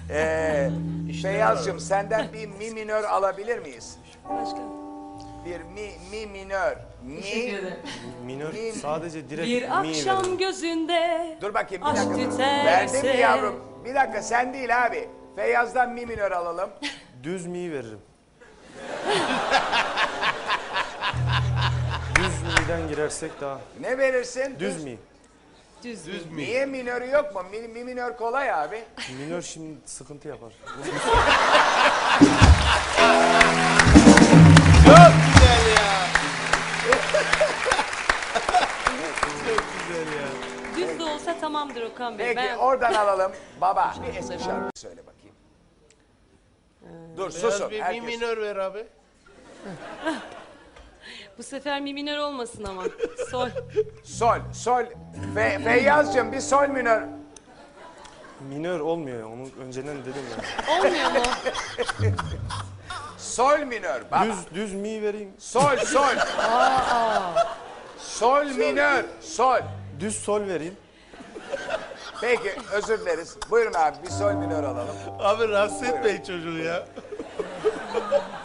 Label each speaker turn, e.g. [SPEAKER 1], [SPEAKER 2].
[SPEAKER 1] Feyyaz'cığım senden bir mi minör alabilir miyiz?
[SPEAKER 2] Başka.
[SPEAKER 1] Bir mi minör.
[SPEAKER 2] Teşekkür ederim.
[SPEAKER 3] Minör sadece direkt
[SPEAKER 2] Bir
[SPEAKER 3] mi
[SPEAKER 2] akşam
[SPEAKER 3] verin.
[SPEAKER 2] gözünde
[SPEAKER 1] Dur bakayım bir
[SPEAKER 2] aşk
[SPEAKER 1] dakika.
[SPEAKER 2] tüterse.
[SPEAKER 1] Verdin mi yavrum? Bir dakika sen değil abi. Feyyaz'dan mi minör alalım.
[SPEAKER 3] Düz mi veririm. Düz mi'den girersek daha.
[SPEAKER 1] Ne verirsin?
[SPEAKER 3] Düz mi?
[SPEAKER 2] Düz.
[SPEAKER 1] Niye minörü yok mu? Mi minör kolay abi.
[SPEAKER 3] Minör şimdi sıkıntı yapar.
[SPEAKER 4] Çok güzel ya. Çok güzel ya.
[SPEAKER 2] Düz de olsa tamamdır Okan Bey.
[SPEAKER 1] Peki oradan alalım. Baba bir eski şarkı söyle bakayım. Dur susun.
[SPEAKER 4] Biraz bir mi
[SPEAKER 1] Herkes.
[SPEAKER 4] minör ver abi.
[SPEAKER 2] Bu sefer mi minör olmasın ama. Sol.
[SPEAKER 1] Sol. Feyyaz'cığım bir sol minör.
[SPEAKER 3] Minör olmuyor ya, onu önceden dedim ya.
[SPEAKER 2] Olmuyor mu?
[SPEAKER 1] Sol minör. Baba.
[SPEAKER 3] Düz mi vereyim.
[SPEAKER 1] Sol. Sol minör. Sol.
[SPEAKER 3] Düz sol vereyim.
[SPEAKER 1] Peki özür dileriz. Buyurun abi bir sol minör alalım.
[SPEAKER 4] Abi rahatsız etmeyin çocuğu ya.